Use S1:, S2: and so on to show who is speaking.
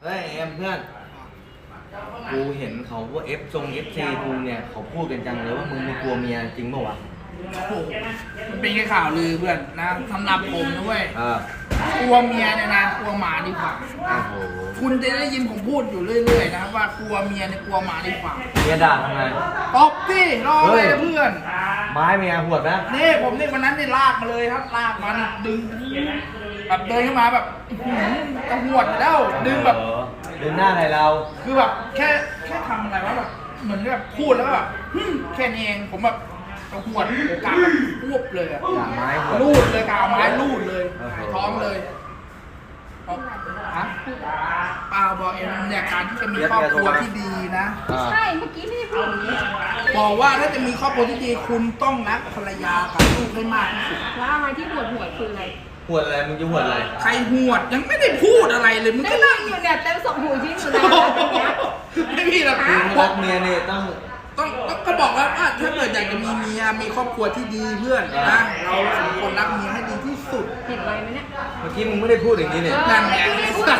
S1: เฮ้ยเอ็มเพื่อนกูเห็นเขาว่าFC กูเนี่ยเขาพูดกันจังเลยว่ามึงไม่กลัวเมียจริงเปล่าวะ
S2: โอ้โหมันเป็นแค่ข่าวลือเพื่อนนะสำหรับผมนะเว้ย
S1: อ่าก
S2: ลัวเมียเนี่ยนะกลัวหมาดีกว่า
S1: โอ้โห
S2: คุณจะได้ยินผมพูดอยู่เรื่อยๆนะว่ากลัวเมียเนี่ยกลัวหมาดีกว่า
S1: เมียด่าทำไง
S2: ตบที่รอเลยเพื่อน
S1: ไม้เมียหวดนะ
S2: นี่ผมนี่วันนั้นนี่ลากมาเลยครับลากมานี่ดึงแบบเดินเข้ามาแบบอื้อหือจะหวดแล้วดึงแบบ
S1: ดึงหน้าใส่เรา
S2: คือแบบแค่ทำอะไรวะแบบเหมือนแบบพูดแล้วก็แบบแค่นี้เองผมแบบจะหวดกาแบบรวบเลยอะ
S1: ด่าไม้หวด
S2: ลูดเลยกาวไม้ลูดเลย
S1: โอ้โห
S2: หายท้องเลยเอาฮะเปล่าบอกเอ็มเนี่ยการที่จะมีครอบครัวที่ดีนะ
S1: อ่า
S3: ใช่เมื่อกี้ไม่ได้พูดอย่างนี้
S2: บอกว่าถ้าจะมีครอบครัวที่ดีคุณต้องรักภรรยากับลูกให้มากที่สุด
S3: แล้วอะไรที่ปวดหัวคืออะไร
S1: หวดอะไรมึงจะหวดอะไร
S2: ใครหวดยังไม่ได้พูดอะไรเลยมึง
S3: ได้
S2: ก็
S3: ยิ
S2: นั่ง
S3: นอยู่เนี่ยเต็มสองหูชิ้นอยู่แล้วเนี่ย
S2: ไม่มีหรอก
S1: มึงรักเมียเนี่ยต้อง
S2: ต้องก็บอกว่าถ้าเกิดอยากจะมีเมียมีครอบครัวที่ดีเพื่อนนะเราสองคนรักเมียให้ดีที่สุด
S3: เห็นอะไรไหมเนี่ย
S1: เมื่อกี้มึงไม่ได้พูดอย่างนี้เนี่ย
S2: นั่นไง
S3: ไม่ได้พูด